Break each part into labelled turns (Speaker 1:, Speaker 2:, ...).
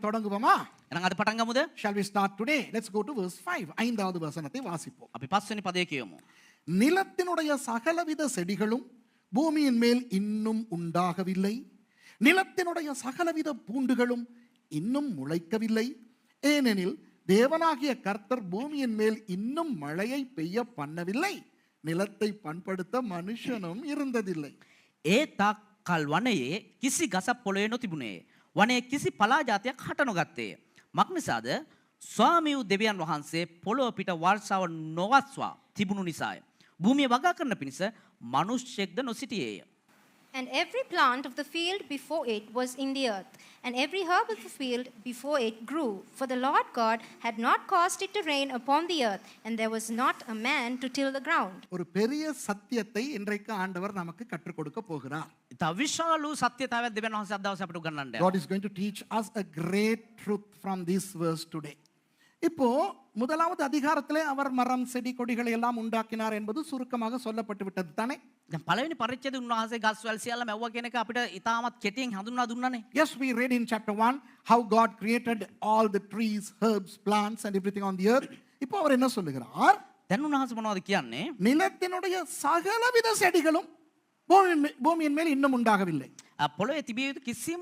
Speaker 1: தொடங்குவோமா?
Speaker 2: එහෙනම් අද පටන් ගමුද?
Speaker 1: Shall we start today? Let's go to verse 5. ஐந்தாவது வசனத்தை வாசிப்போம்.
Speaker 2: අපි 5 වෙනි පදයේ කියමු.
Speaker 1: நிலத்தினுடைய சகலவித செடிகளும் பூமியின் மேல் இன்னும் உண்டாகவில்லை, நிலத்தினுடைய சகலவித பூண்டுகளும் இன்னும் முளைக்கவில்லை, ஏனெனில் தேவனாகிய கர்த்தர் பூமியின் மேல் இன்னும் மழையை பெய்ய பண்ணவில்லை, நிலத்தை பண்படுத்த மனுஷனும் இருந்ததில்லை.
Speaker 2: ඒ තාක් කල් වනයේ කිසි ගසක් පොළොවේ නොතිබුණේ. වනයේ කිසි පලා ජාතියක් හට නොගත්තේ. මක් නිසාද? ස්වාමී වූ දෙවියන් වහන්සේ පොළොව පිට වර්ෂාව නොවස්වා තිබුණු නිසාය. භූමිය වගා කරන පිණිස මිනිස්සෙක්ද නොසිටියේය.
Speaker 3: And every plant of the field before it was in the earth, and every herb of the field before it grew. For the Lord God had not caused it to rain upon the earth, and there was not a man to till the ground.
Speaker 1: ஒரு பெரிய சத்தியத்தை இன்றைக்கு ஆண்டவர் நமக்கு கற்றுக் கொடுக்க போகிறார்.
Speaker 2: ඉතා විශාල සත්‍යතාවයක් දෙවියන් වහන්සේ අද දවසේ අපිට උගන්වන්න
Speaker 1: God is going to teach us a great truth from this verse today. இப்போ முதலாவது அதிகாரத்திலே அவர் மரம் செடி கொடிகளை எல்லாம் உண்டாக்கினார் என்பது சுருக்கமாக சொல்லப்பட்டு விட்டது தானே?
Speaker 2: දැන් පළවෙනි පරිච්ඡේදයේ උන්වහන්සේ ගස් වැල් සියල්ල මැව්වා කියන එක අපිට ඉතාමත් කෙටියෙන් හඳුන්වා දුන්නානේ.
Speaker 1: Yes, we read in chapter 1 how God created all the trees, herbs, plants and everything on the earth. இப்போ அவர் என்ன சொல்லுகிறார்?
Speaker 2: දැන් උන්වහන්සේ මොනවද කියන්නේ?
Speaker 1: நிலத்தினுடைய சகலவித செடிகளும் பூமியின் மேல் இன்னும் உண்டாகவில்லை.
Speaker 2: පොළොවේ තිබිය යුතු කිසිම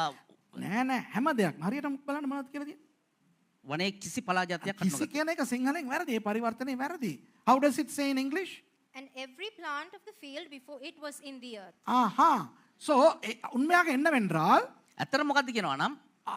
Speaker 1: නෑ නෑ හැම දෙයක්ම හරියටම බලන්න මොනවද කියලාද?
Speaker 2: වනයේ කිසි පලා ජාතියක් හට
Speaker 1: කිසි කියන එක සිංහලෙන් වැරදි. ඒ පරිවර්තනය වැරදි. How does it say in English?
Speaker 3: And every plant of the field before it was in the earth.
Speaker 1: Aha. So உண்மையாக என்னவென்றால்
Speaker 2: ඇත්තට මොකද්ද කියනවා නම්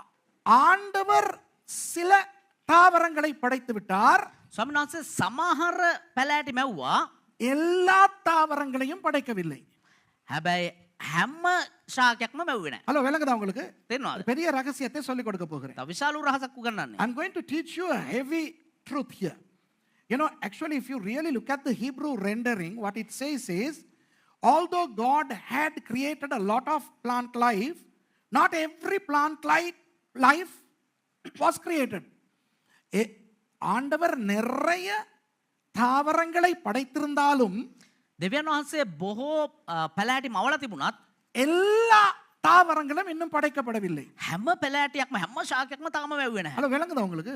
Speaker 1: ஆண்டவர் சில தாவரங்களை படைத்து விட்டார்,
Speaker 2: ස්වාමීන් වහන්සේ සමහර පැලෑටි මැව්වා.
Speaker 1: எல்லா தாவரங்களையும் படைக்கவில்லை.
Speaker 2: හැබැයි හැම ශාකයක්ම මැව්වේ නැහැ.
Speaker 1: ஹலோ விளங்குதா உங்களுக்கு?
Speaker 2: තේරෙනවද?
Speaker 1: பெரிய ரகசியத்தை சொல்லிக் கொடுக்க போகிறேன்.
Speaker 2: තව විශාල රහසක් උගන්වන්නේ.
Speaker 1: I'm going to teach you a heavy truth here. You know, actually, if you really look at the Hebrew rendering, what it says is, although God had created a lot of plant life, not every plant life was created. ஆண்டவர் நிறைய தாவரங்களை படைத்திருந்தாலும்
Speaker 2: දෙවියන් වහන්සේ බොහෝ පැලෑටි මවලා තිබුණත්
Speaker 1: எல்லா தாவரங்களும் இன்னும் படைக்கப்படவில்லை.
Speaker 2: හැම පැලෑටියක්ම හැම ශාකයක්ම තාම මැව්වේ නැහැ.
Speaker 1: ஹலோ விளங்குதா உங்களுக்கு?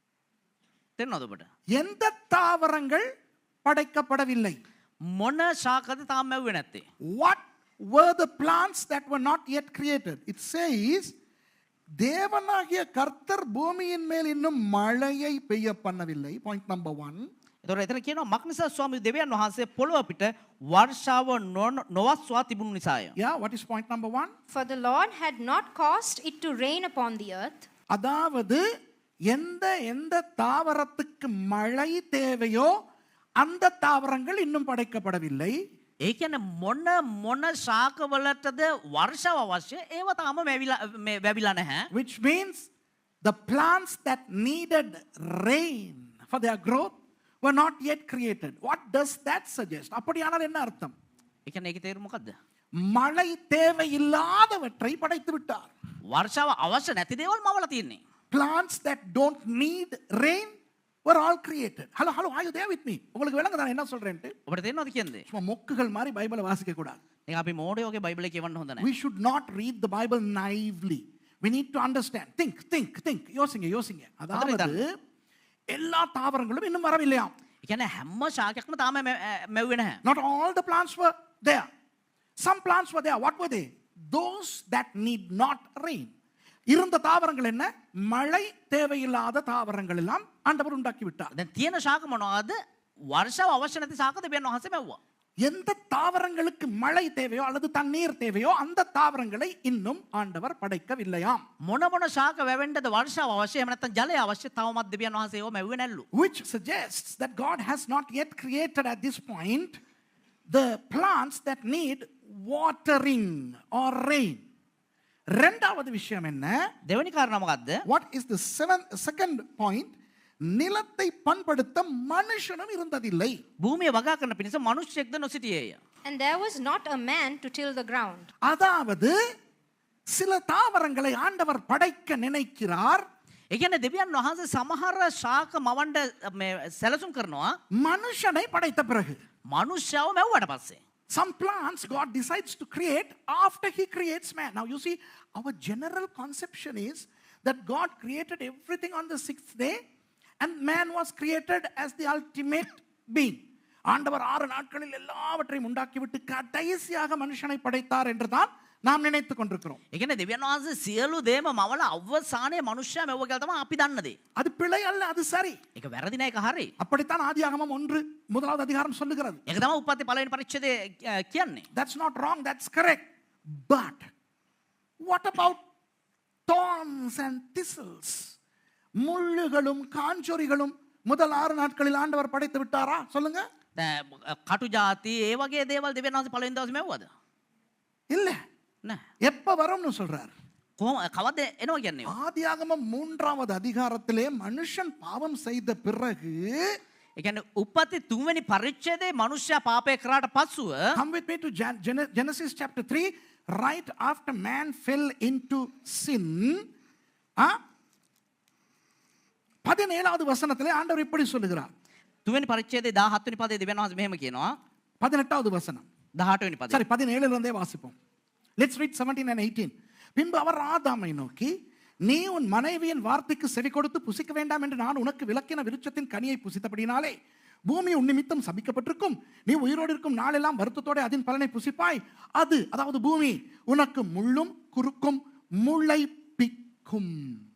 Speaker 2: තේරෙනවද ඔබට?
Speaker 1: எந்த தாவரங்கள் படைக்கப்படவில்லை?
Speaker 2: මොන ශාකද තාම මැව්වේ නැත්තේ?
Speaker 1: What were the plants that were not yet created? It says, தேவனாகிய கர்த்தர் பூமியின் மேல் இன்னும் மழையை பெய்ய பண்ணவில்லை. Point number 1.
Speaker 2: එතකොට එතන කියනවා මක් නිසා ස්වාමී දෙවියන් වහන්සේ පොළොව පිට වර්ෂාව නොවස්වා තිබුණු නිසාය.
Speaker 1: Yeah, what is point number 1?
Speaker 3: For the Lord had not caused it to rain upon the earth.
Speaker 1: அதாவது எந்த தாவரத்துக்கு மழை தேவையோ அந்த தாவரங்கள் இன்னும் படைக்கப்படவில்லை.
Speaker 2: ඒ කියන්නේ මොන ශාකවලටද වර්ෂාව අවශ්‍ය ඒව තාම වැවිලා නැහැ.
Speaker 1: Which means the plants that needed rain for their growth were not yet created. What does that suggest? அப்படியானால் என்ன அர்த்தம்?
Speaker 2: ඒ කියන්නේ ඒකේ තේරුම මොකද්ද?
Speaker 1: மழை தேவையில்லாதவற்றை படைத்து விட்டார்.
Speaker 2: වර්ෂාව අවශ්‍ය නැති දේවල් මවලා තියෙන්නේ.
Speaker 1: Plants that don't need rain were all created. Hello, are you there with me? உங்களுக்கு விளங்குதா என்ன சொல்றேன்ட்டு?
Speaker 2: ඔබට තේරෙනවද කියන්නේ?
Speaker 1: சும்மா மொக்குகள் மாதிரி பைபிளை வாசிக்க கூடாது.
Speaker 2: ඒක අපි මෝඩයෝගේ බයිබලේ කියවන්න හොඳ නැහැ.
Speaker 1: We should not read the Bible naively. We need to understand. Think. யோசிங்க. அதாவது எல்லா தாவரங்களும் இன்னும் வரவில்லையாம்.
Speaker 2: ඒ කියන්නේ හැම ශාකයක්ම තාම මැව්වේ නැහැ.
Speaker 1: Not all the plants were there. Some plants were there. What were they? Those that need not rain. இருந்த தாவரங்கள் என்ன? மழை தேவையில்லாத தாவரங்கள் எல்லாம் ஆண்டவர் உண்டாக்கி விட்டார்.
Speaker 2: දැන් තියෙන ශාක මොනවාද? වර්ෂාව අවශ්‍ය නැති ශාක දෙවියන් වහන්සේ මැව්වා.
Speaker 1: எந்த தாவரங்களுக்கு மழை தேவையோ அல்லது தண்ணீர் தேவையோ அந்த தாவரங்களை இன்னும் ஆண்டவர் படைக்கவில்லையாம்.
Speaker 2: මොන ශාක වැවෙන්නද වර්ෂාව අවශ්‍ය එහෙම නැත්නම් ජලය අවශ්‍ය තවමත් දෙවියන් වහන්සේ ඒව මැව්වේ නැල්ලු.
Speaker 1: Which suggests that God has not yet created at this point the plants that need watering or rain. ரெண்டாவது விஷயம் என்ன?
Speaker 2: දෙවෙනි කාරණා මොකද්ද?
Speaker 1: What is the second point? நிலத்தை பண்படுத்த மனுஷனும் இருந்ததில்லை.
Speaker 2: භූමිය වගා කරන පිණිස මිනිස්සෙක්ද නොසිටියේය.
Speaker 3: And there was not a man to till the ground.
Speaker 1: அதாவது சில தாவரங்களை ஆண்டவர் படைக்க நினைக்கிறார்.
Speaker 2: ඒ කියන්නේ දෙවියන් වහන්සේ සමහර ශාක මවන්න සැලසුම් කරනවා
Speaker 1: மனுஷனை படைத்த பிறகு.
Speaker 2: මනුෂ්‍යව මැව්වට පස්සේ.
Speaker 1: Some plants God decides to create after he creates man. Now you see, our general conception is that God created everything on the sixth day and man was created as the ultimate being. ஆண்டவர் 6 நாட்களில் எல்லாவற்றையும் உண்டாக்கிவிட்டு கடைசியாக மனுஷனை படைத்தார் என்றுதான் நாம் நினைத்துக் கொண்டிருக்கிறோம்.
Speaker 2: ඒ කියන්නේ දෙවියන් වහන්සේ සියලු දේම මවල අවසානයේ මනුෂ්‍යයා මෙව්ව කියලා තමයි අපි දන්න දේ.
Speaker 1: அது பிழை அல்ல, அது சரி.
Speaker 2: ඒක වැරදි නෑ, ඒක හරි.
Speaker 1: அப்படித்தான் ஆதியாகமம் 1 அதிகாரம் சொல்லுகிறது.
Speaker 2: ඒක තමයි උප්පත්ති පළවෙනි පරිච්ඡේදයේ කියන්නේ.
Speaker 1: That's not wrong, that's correct. But what about thorns and thistles? முள்ளுகளும் காஞ்சொரிகளும் முதல் 6 நாட்களில் ஆண்டவர் படைத்து விட்டாரா? சொல்லுங்க.
Speaker 2: කටු ජාති ඒ වගේ දේවල් දෙවියන් වහන්සේ පළවෙනි දවසේ මෙව්වද?
Speaker 1: இல்ல.
Speaker 2: නෑ.
Speaker 1: எப்ப வரும்னு சொல்றார்?
Speaker 2: කවද එනවා කියන්නේ?
Speaker 1: ஆதியாகமம் 3வது அதிகாரத்திலே மனுஷன் பாவம் செய்த பிறகு
Speaker 2: ඒ කියන්නේ උප්පත්ති 3 වෙනි පරිච්ඡේදයේ මනුෂ්‍යයා පාපය කරාට පස්සුව
Speaker 1: come with me to Genesis chapter 3, right after man fell into sin. 17வது வசனத்திலே ஆண்டவர் இப்படி சொல்லுகிறார்.
Speaker 2: 3 වෙනි පරිච්ඡේදයේ 17 වෙනි පදයේ දෙවියන් වහන්සේ මෙහෙම කියනවා.
Speaker 1: 18வது வசனம்.
Speaker 2: 18 වෙනි පදේ.
Speaker 1: சரி, 17ல இருந்தே வாசிப்போம். Let's read 17 and 18. பின்பு அவர் ஆதாமை நோக்கி, நீ உன் மனைவியின் வார்த்தைக்கு செவி கொடுத்து புசிக்க வேண்டாம் என்று நான் உனக்கு விலக்கின விருட்சத்தின் கனியை புசித்தபடினாலே பூமி உன் நிமித்தம் சபிக்கப்பட்டிருக்கும். நீ உயிரோடு இருக்கும் நாளெல்லாம் வருத்தத்தோட அதன் பலனை புசிப்பாய். அது, அதாவது பூமி, உனக்கு முள்ளும் குறுக்கும் முளைப்பிக்கும்.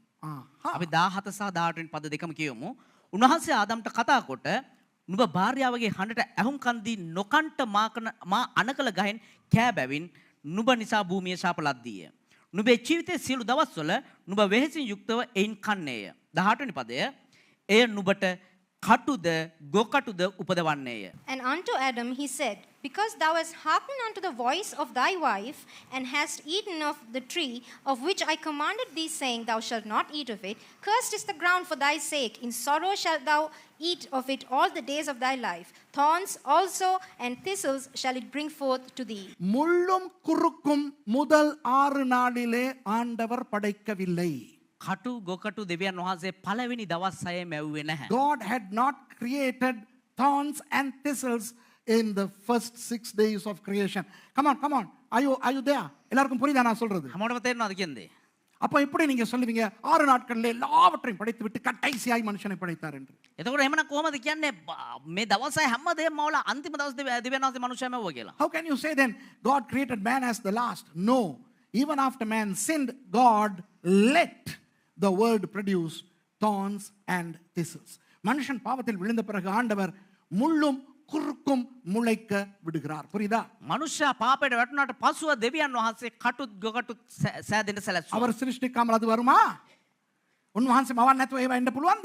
Speaker 2: අපි 17 සහ 18 වෙනි පද දෙකම කියමු. උන්වහන්සේ ආදම්ට කතා කොට නුඹ භාර්යාවගේ හඬට ඇහුම්කන් දී නොකන්ට මා අනකල ගහෙන් කෑ බැවින් නුඹ නිසා භූමිය ශාප ලද්දීය. නුඹේ ජීවිතයේ සියලු දවස්වල නුඹ වෙහෙසින් යුක්තව එයින් කන්නේය. 18 වෙනි පදය. එය නුඹට කටුද ගොකටුද උපදවන්නේය.
Speaker 3: And unto Adam he said, because thou hast hearkened unto the voice of thy wife, and hast eaten of the tree of which I commanded thee, saying, thou shalt not eat of it, cursed is the ground for thy sake. In sorrow shalt thou eat of it all the days of thy life. Thorns also and thistles shall it bring forth to thee.
Speaker 1: முள்ளும் குறுக்கும் முதல் 6 நாளிலே ஆண்டவர் படைக்கவில்லை.
Speaker 2: කටු ගොකටු දෙවියන් වහන්සේ පළවෙනි දවස් 6 මැව්වේ නැහැ.
Speaker 1: God had not created thorns and thistles in the first 6 days of creation. Come on. Are you there? எல்லாருக்கும் புரியுதா நான் சொல்றது?
Speaker 2: හැමෝටම තේරෙනවද කියන්නේ?
Speaker 1: அப்ப எப்படி நீங்க சொல்லுவீங்க 6 நாட்களிலே எல்லாவற்றையும் படைத்து விட்டு கடைசியாய் மனுஷனை படைத்தார் என்று?
Speaker 2: එතකොට එහෙමනම් කොහමද කියන්නේ මේ දවස් 6 හැමදේම මවල අන්තිම දවස් දෙවියන් වහන්සේ මනුෂ්‍යයා මැව්වා කියලා?
Speaker 1: How can you say then God created man as the last? No. Even after man sinned, God let the world produce thorns and thistles. மனுஷன் பாவத்தில் விழுந்த பிறகு ஆண்டவர் முள்ளும் குறுக்கும் முளைக்க விடுகிறார். புரியுதா?
Speaker 2: මනුෂ්‍යයා පාපයට වැටුණාට පසුව දෙවියන් වහන්සේ කටුත් ගොකටුත් සෑදෙන්න සැලැස්සුවා.
Speaker 1: அவர் சிருஷ்டிக்காமல் அது வருமா? උන්වහන්සේ මවන්න නැතුව ඒවා එන්න පුළුවන්ද?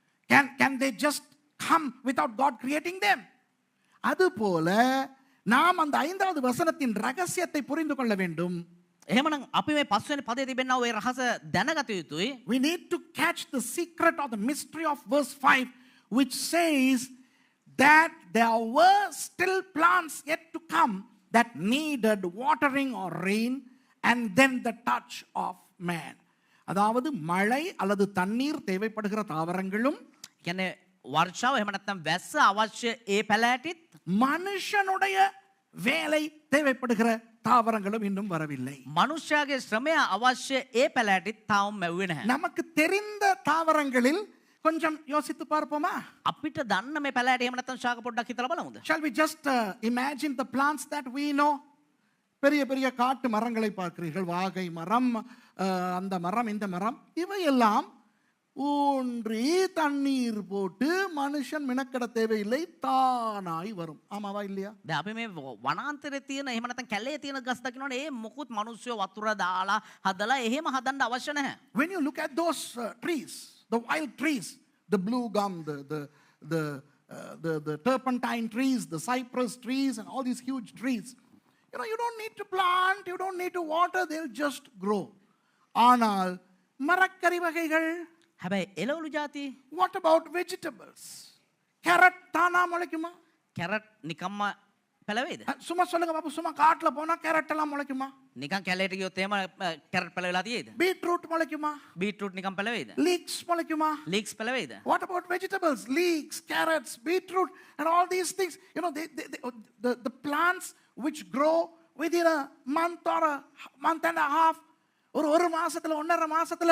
Speaker 1: Can they just come without God creating them? அதுபோல நாம் அந்த 5வது வசனத்தின் ரகசியத்தை புரிந்து கொள்ள வேண்டும்.
Speaker 2: එහෙමනම් අපි මේ පස්වෙනි පදයේ තිබෙනා ওই රහස දැනගත යුතුයි.
Speaker 1: We need to catch the secret or the mystery of verse 5, which says that there were still plants yet to come that needed watering or rain and then the touch of man. அதாவது மழை அல்லது தண்ணீர் தேவைப்படுகிற தாவரங்களும்
Speaker 2: කියන්නේ වර්ෂාව එහෙම නැත්නම් වැස්ස අවශ්‍ය ඒ පැලෑටිත්
Speaker 1: மனுஷனுடைய வேலை தேவைப்படுகிற தாவரங்களும் இன்னும் வரவில்லை.
Speaker 2: මනුෂ්‍යයාගේ ශ්‍රමය අවශ්‍ය ඒ පැලෑටිත් තාම මැව්වේ නැහැ.
Speaker 1: நமக்கு தெரிந்த தாவரங்களில் கொஞ்சம் யோசித்து பார்ப்போமா?
Speaker 2: අපිට දන්න මේ පැලෑටි එහෙම නැත්නම් ශාක පොඩ්ඩක් හිතලා බලමුද?
Speaker 1: Shall we just imagine the plants that we know? பெரிய பெரிய காட்டு மரங்களை பார்க்கிறீர்கள், வாகை மரம், அந்த மரம், இந்த மரம், இவையெல்லாம் ஊன்றி தண்ணீர் போட்டு மனுஷன் மினக்கட தேவையில்லை, தானாய் வரும். ஆமாவா இல்லையா?
Speaker 2: දැන් අපි මේ වනාන්තරයේ තියෙන එහෙම නැත්නම් කැලේ තියෙන ගස් දකින්නොනේ ඒ මොකුත් මිනිස්සු වතුර දාලා හදලා එහෙම හදන්න අවශ්‍ය නැහැ.
Speaker 1: When you look at those trees, the wild trees, the blue gum, the turpentine trees, the cypress trees, and all these huge trees, you don't need to plant, you don't need to water, they'll just grow. ஆனால் மரக்கறி வகைகள்,
Speaker 2: හැබැයි එළවලු ಜಾති,
Speaker 1: what about vegetables? Carrot தானா முளைக்குமா?
Speaker 2: Carrot නිකම්ම පැලවේද?
Speaker 1: சும்மா சொல்லுங்க பாப்பா, சும்மா காட்டுல போனா கேரட் எல்லாம் முளைக்குமா?
Speaker 2: නිකන් කැලේට ගියොත් එහෙම කැරට් පැලවෙලා තියෙයිද?
Speaker 1: பீட்ரூட் முளைக்குமா?
Speaker 2: බීට්‍රූට් නිකන් පැලවේද?
Speaker 1: Leeks முளைக்குமா?
Speaker 2: ලීක්ස් පැලවේද?
Speaker 1: What about vegetables? Leeks, carrots, beetroot, and all these things. The plants which grow within a month or a month and a half, ஒரு மாசத்துல 1.5 மாசத்துல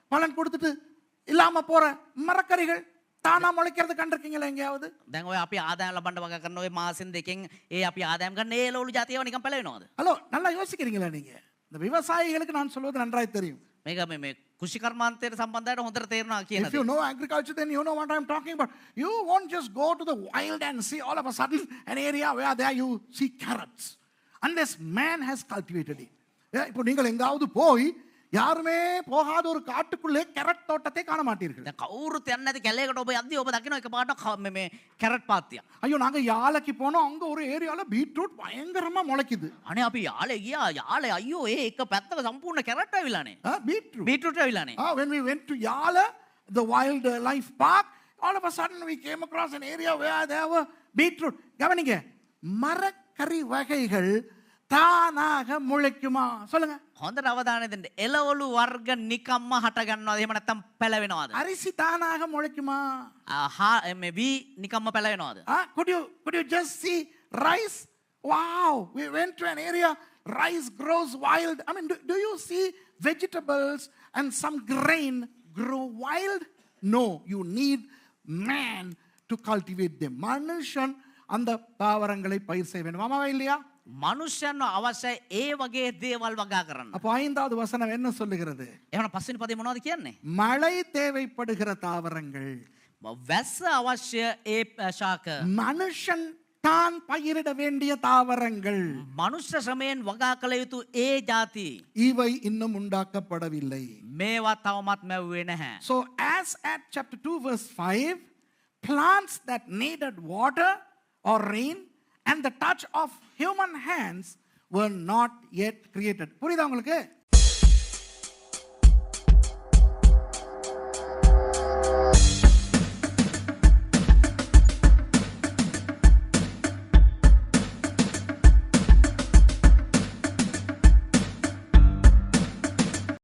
Speaker 1: பலன் கொடுத்துட்டு இல்லாம போற மரக்கறிகள் தானா முளைக்கிறது கண்டிருக்கீங்களா எங்கேயாவது?
Speaker 2: දැන් ඔය අපි ආදායම් ලබන්න වගා කරන ඔය මාසෙන් දෙකෙන් අපි ආදායම් ගන්න ඒ ලෝලු ජාතියව නිකන් පැලවෙනවද?
Speaker 1: ஹலோ, நல்லா யோசிக்கிறீங்களா நீங்க? இந்த விவசாயிகளுக்கு நான் சொல்வது நன்றாய் தெரியும்.
Speaker 2: මේක මේ කෘෂි කර්මාන්තයට සම්බන්ධයට හොඳට තේරෙනවා කියන
Speaker 1: If you know agriculture, then you know what I'm talking about. You won't just go to the wild and see all of a sudden an area where there you see carrots. Unless man has cultivated it. இப்போ நீங்கள் எங்காவது போய் யாருமே போகாத ஒரு காட்டுக்குள்ளே carrot தோட்டத்தை காண மாட்டீர்கள்.
Speaker 2: දැන් කවුරුත් යන්නේ නැති කැලේකට ඔබ යද්දී ඔබ දකින්න එකපාරට මේ කැරට් පාත්තියක්.
Speaker 1: ஐயோ, நாங்க யாழைக்கு போனோம், அங்க ஒரு ஏரியால பீட்ரூட் பயங்கரமா முளைக்குது.
Speaker 2: අනේ අපි යාලේ ගියා. යාලේ අයියෝ ඒ එක පැත්තක සම්පූර්ණ කැරට් ඇවිලානේ.
Speaker 1: பீட்ரூட்.
Speaker 2: බීට්‍රූට් ඇවිලානේ.
Speaker 1: When we went to Yala, the wild life park, all of a sudden we came across an area where there were beetroot. கவனிங்க, மரக்கறி வகைகள் தானாக முளைக்குமா? சொல்லுங்க.
Speaker 2: හොඳට අවධානය දෙන්න. එළවලු වර්ග නිකම්ම හට ගන්නවද? එහෙම නැත්නම් පැලවෙනවද?
Speaker 1: அரிசி தானாக முளைக்குமா?
Speaker 2: මේ වී නිකම්ම පැලවෙනවද?
Speaker 1: Could you just see rice? Wow, we went to an area, rice grows wild. I mean, do you see vegetables and some grain grow wild? No, you need man to cultivate them. மனுஷன் அந்த தாவரங்களை பயிர் செய்ய வேண்டும். ஆமாவா இல்லையா?
Speaker 2: මනුෂ්‍යයන්ව අවශ්‍යයි ඒ වගේ දේවල් වගා කරන්න.
Speaker 1: அப்போ 5வது வசனம் என்ன சொல்லுகிறது?
Speaker 2: එහෙනම් පස්වෙනි පදේ මොනවද කියන්නේ?
Speaker 1: மழை தேவைப்படுகிற தாவரங்கள்,
Speaker 2: වැස්ස අවශ්‍ය ඒ ශාක.
Speaker 1: மனுஷன் தான் பயிரிட வேண்டிய தாவரங்கள்,
Speaker 2: මනුෂ්‍ය ශ්‍රමයෙන් වගා කළ යුතු ඒ ಜಾති
Speaker 1: இவை இன்னும் உண்டாக்கப்படவில்லை.
Speaker 2: මේවා තවමත් මැව්වේ නැහැ.
Speaker 1: So as at chapter 2 verse 5, plants that needed water or rain and the touch of human hands were not yet created. புரியுதா உங்களுக்கு?